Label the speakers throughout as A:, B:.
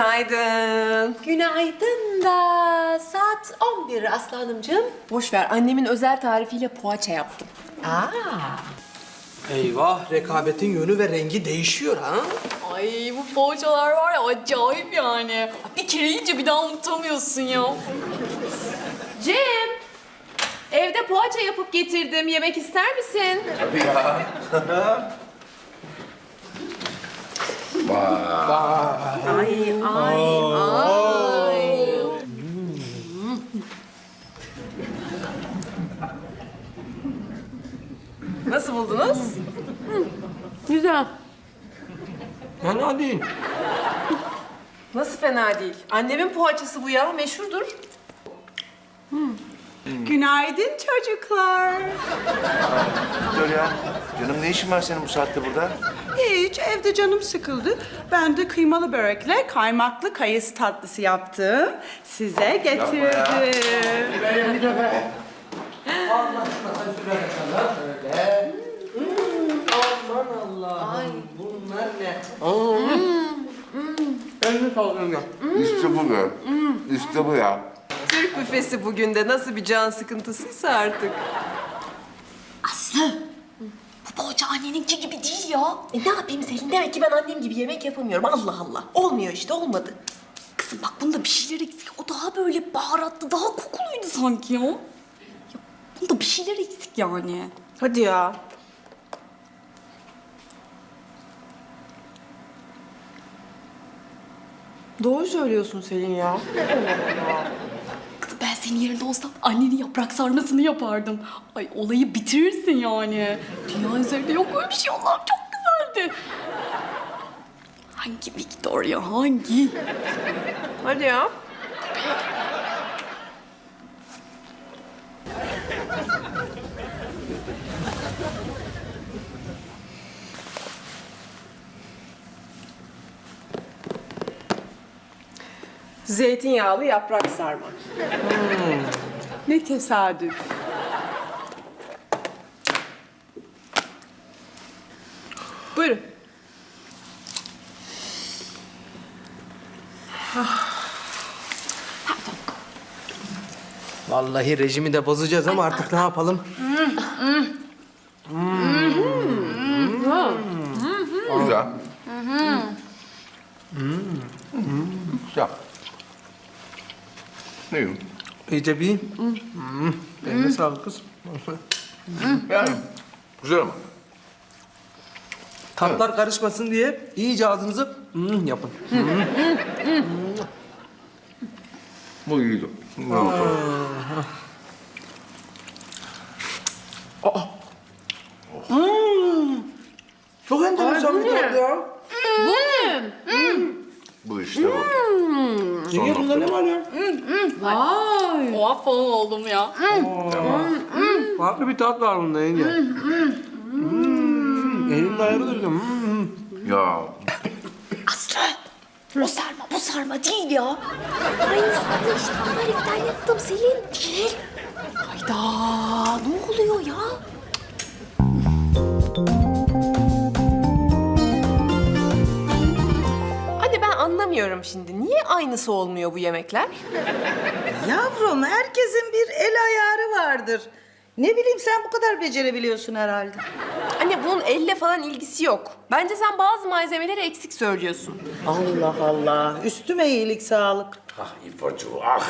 A: Günaydın.
B: Günaydın da saat 11 aslanımcığım.
A: Boş ver, annemin özel tarifiyle poğaça yaptım.
C: Eyvah, rekabetin yönü ve rengi değişiyor ha?
D: Ay bu poğaçalar var ya acayip yani. Bir kere yiyince bir daha unutamıyorsun ya.
A: Cem, evde poğaça yapıp getirdim. Yemek ister misin?
E: Tabii ya.
A: Nasıl buldunuz? Güzel.
C: Fena değil.
A: Nasıl fena değil? Annemin poğaçası bu ya, meşhurdur.
F: Günaydın çocuklar.
E: Victoria, canım ne işin var senin bu saatte burada?
F: Hiç, evde canım sıkıldı. Ben de kıymalı börekle kaymaklı kayısı tatlısı yaptım. Size getirdim.
C: Aman Allah'ım, bunlar ne? Elini sağlıyorum ya.
E: İşte bu be. İşte bu ya.
A: Türk büfesi bugün de nasıl bir can sıkıntısıysa artık.
D: Aslı bu poğaça anneninki gibi değil ya.
B: Ne yapayım Selin? Demek ki ben annem gibi yemek yapamıyorum. Allah Allah. Olmuyor işte, olmadı.
D: Kızım bak bunda bir şeyler eksik. O daha böyle baharatlı, daha kokuluydu sanki ya. Bunda bir şeyler eksik yani.
A: Hadi ya. Doğru söylüyorsun Selin ya.
D: Kızım ben senin yerinde olsam annenin yaprak sarmasını yapardım. Ay olayı bitirirsin yani. Dünya üzerinde yok öyle bir şey. Allah'ım çok güzeldi. Hangi Victoria, hangi?
A: Hadi ya. Zeytinyağlı yaprak sarma.
F: Ne tesadüf.
A: Buyurun.
C: Vallahi rejimi de bozacağız ama artık ne yapalım?
E: Güzel. Güzel. Ne yiyorum?
C: İyice bir... Eline sağlık kız.
E: Yani güzel ama.
C: Tatlar karışmasın diye iyice ağzınızı yapın.
E: Bu iyiydi.
C: Çok enteresan bir tat ya.
E: Bu işte bu.
C: Yenge bunda ne var ya?
D: Oha falan oldum ya.
C: Farklı bir tat var bunda yenge. Elimde ayrılır ya.
E: Ya
D: Aslı o sarma bu sarma değil ya. Aynı sarma işte tariften yaptım Selin. Değil. Hayda ne oluyor ya?
A: Anne ben anlamıyorum şimdi. Niye aynısı olmuyor bu yemekler?
G: Yavrum, herkesin bir el ayarı vardır. Ne bileyim, sen bu kadar becerebiliyorsun herhalde.
A: Anne bunun elle falan ilgisi yok. Bence sen bazı malzemeleri eksik söylüyorsun.
G: Allah Allah, üstüme iyilik sağlık.
E: ah İfo'cu ah.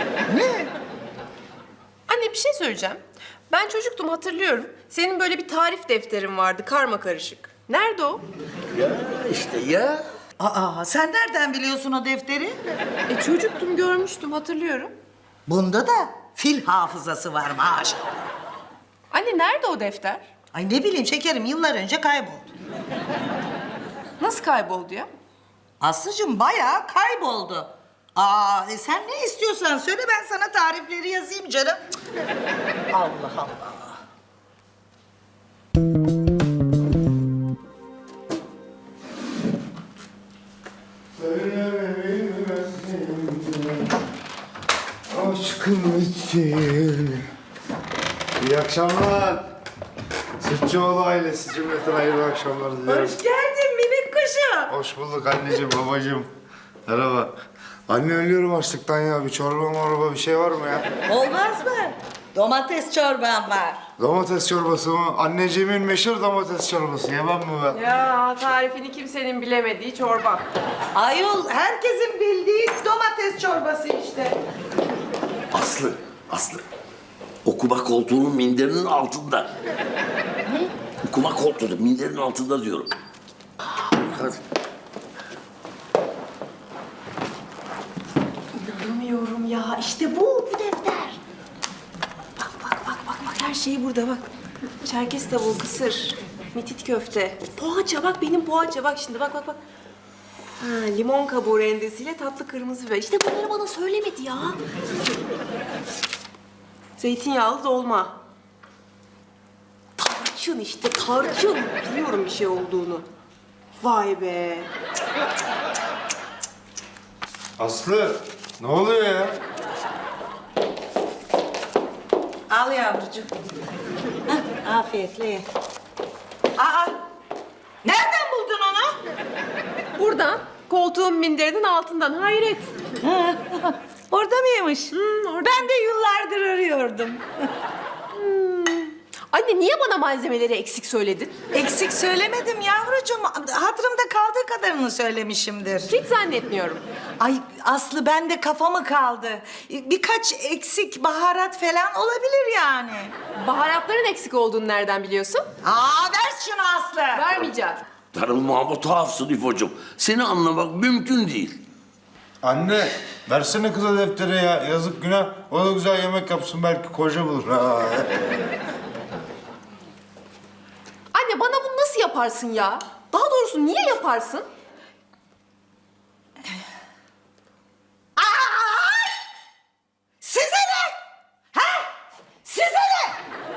A: Anne bir şey söyleyeceğim. Ben çocuktum hatırlıyorum. Senin böyle bir tarif defterin vardı karma karışık. Nerede o?
E: Ya işte ya.
G: Aa, sen nereden biliyorsun o defteri?
A: Çocuktum görmüştüm hatırlıyorum.
G: Bunda da fil hafızası var maşallah.
A: Anne nerede o defter?
G: Ay ne bileyim şekerim, yıllar önce kayboldu.
A: Nasıl kayboldu ya?
G: Aslıcığım bayağı kayboldu. Aa, sen ne istiyorsan söyle, ben sana tarifleri yazayım canım. Cık. Allah Allah.
H: Aşkım için. İyi akşamlar. Sütçüoğlu ailesi cümleten hayırlı akşamlar diliyorum.
G: Hoş geldin minik kuşum.
H: Hoş bulduk anneciğim, babacığım. Merhaba. Anne ölüyorum açlıktan ya. Bir çorba morba bir şey var mı ya?
G: Olmaz mı? Domates çorban var.
H: Domates çorbası mı? Anneciğimin meşhur domates çorbası. Yemem mi ben?
A: Ya tarifini kimsenin bilemediği çorba.
G: Ayol herkesin bildiği domates çorbası işte.
I: Aslı. Okuma koltuğunun minderinin altında. Ne? Okuma koltuğu minderin altında diyorum. Hadi.
A: İnanamıyorum ya. İşte bu defter. Bak her şey burada bak. Çerkez tavuğu, kısır, mitit köfte, poğaça bak benim poğaça bak şimdi bak. Ha, limon kabuğu rendesiyle tatlı kırmızı biber. İşte bunları bana söylemedi ya. Zeytinyağlı dolma. Tarçın işte tarçın. Biliyorum bir şey olduğunu. Vay be.
H: Aslı ne oluyor ya?
G: Al yavrucuğum. Hah, afiyetle ye. Aa, nereden buldun onu?
A: Buradan koltuğun minderinin altından hayret.
G: Orada mıymış? Ben de yıllardır arıyordum.
A: Anne niye bana malzemeleri eksik söyledin?
G: Eksik söylemedim yavrucuğum. Hatırımda kaldığı kadarını söylemişimdir.
A: Hiç zannetmiyorum.
G: Ay Aslı ben de kafamı kaldı. Birkaç eksik baharat falan olabilir yani.
A: Baharatların eksik olduğunu nereden biliyorsun?
G: Aa ver şunu Aslı.
A: Vermeyeceğim.
I: Darılma ama tuhafsın İfo'cum. Seni anlamak mümkün değil.
H: Anne versene kıza defteri ya. Yazık günah. O da güzel yemek yapsın belki koca bulur. Ha.
A: Anne bana bunu nasıl yaparsın ya? Daha doğrusu niye yaparsın?
G: Size ne? Ha? Size ne?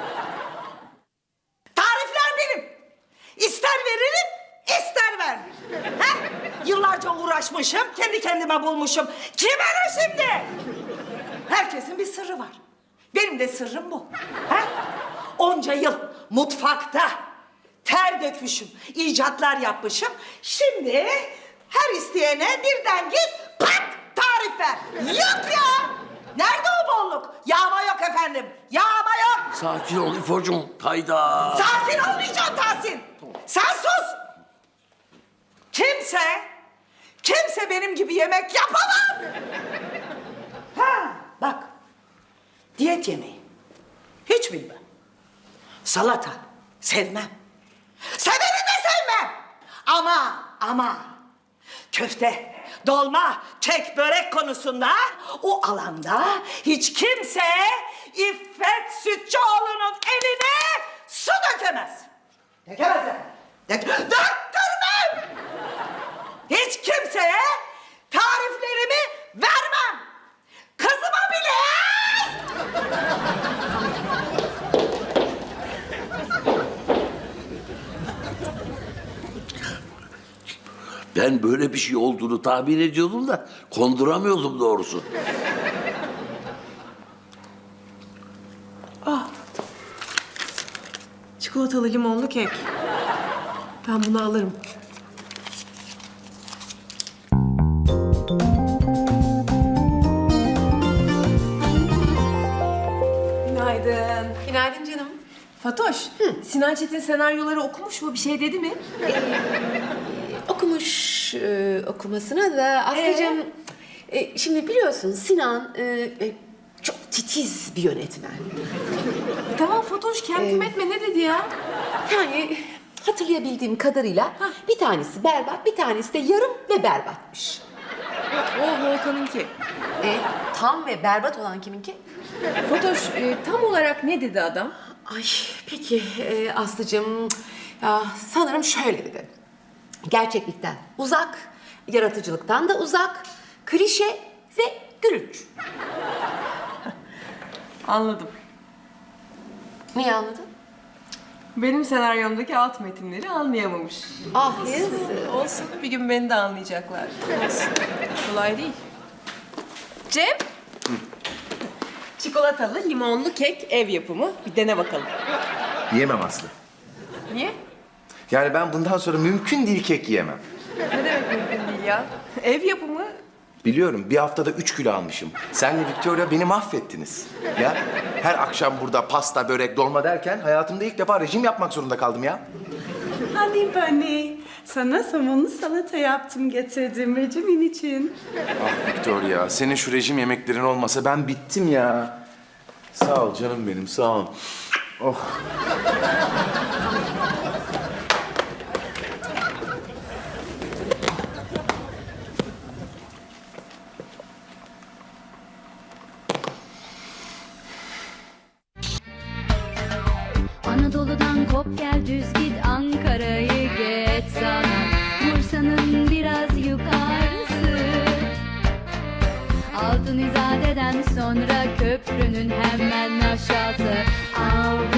G: Tarifler benim. İster veririm, ister vermem. Ha? Yıllarca uğraşmışım, kendi kendime bulmuşum. Kime ne şimdi? Herkesin bir sırrı var. Benim de sırrım bu. Ha? Onca yıl mutfakta ter dökmüşüm, icatlar yapmışım. Şimdi her isteyene birden git pat tarif ver. Yok ya! Nerede o bolluk? Yağma yok efendim. Yağma yok.
I: Sakin ol İfo'cum. Hayda.
G: Sakin olmayacaksın Tahsin. Sen sus. Kimse benim gibi yemek yapamaz. Ha, bak. Diyet yemeği. Hiç bilmem. Salata. Sevmem. Seveni de sevmem. Ama köfte, dolma, kek, börek konusunda o alanda hiç kimse İffet Sütçüoğlu'nun eline su dökemez. Dökemez. Döktürmem. Hiç kimseye tariflerimi vermem. Kızıma bile.
I: Ben böyle bir şey olduğunu tahmin ediyordum da konduramıyordum doğrusu.
A: Çikolatalı limonlu kek. Ben bunu alırım. Günaydın. Günaydın canım. Fatoş, Sinan Çetin senaryoları okumuş mu? Bir şey dedi mi?
D: Okumuş okumasına da Aslı'cığım... şimdi biliyorsun Sinan çok titiz bir yönetmen.
A: Tamam Fatoş, kendim etme. Ne dedi ya?
D: Yani hatırlayabildiğim kadarıyla bir tanesi berbat, bir tanesi de yarım ve berbatmış.
A: O Volkan'ınki.
D: Tam ve berbat olan kiminki?
A: Fatoş, tam olarak ne dedi adam?
D: Ay peki Aslı'cığım ya, sanırım şöyle dedi. Gerçeklikten uzak, yaratıcılıktan da uzak, klişe ve gülünç.
A: Anladım.
D: Niye anladın?
A: Benim senaryomdaki alt metinleri anlayamamış.
D: Ah yazık.
A: Olsun, bir gün beni de anlayacaklar. Olsun. Kolay değil. Cem. Çikolatalı limonlu kek ev yapımı. Bir dene bakalım.
E: Yiyemem Aslı.
A: Niye?
E: Yani ben bundan sonra mümkün değil kek yiyemem.
A: Ne demek mümkün değil ya? Ev yapımı
C: Biliyorum, bir haftada 3 kilo almışım. Senle Victoria beni mahvettiniz. Ya, her akşam burada pasta, börek, dolma derken hayatımda ilk defa rejim yapmak zorunda kaldım ya.
F: Honey Bunny, sana somonlu salata yaptım, getirdim rejimin için.
C: Ah Victoria, senin şu rejim yemeklerin olmasa ben bittim ya. Sağ ol canım benim, sağ ol. Oh.
J: Anadolu'dan kop gel düz git Ankara'yı geç sana Bursa'nın biraz yukarısı Altın İzade'den sonra köprünün hemen aşağısı Avrupa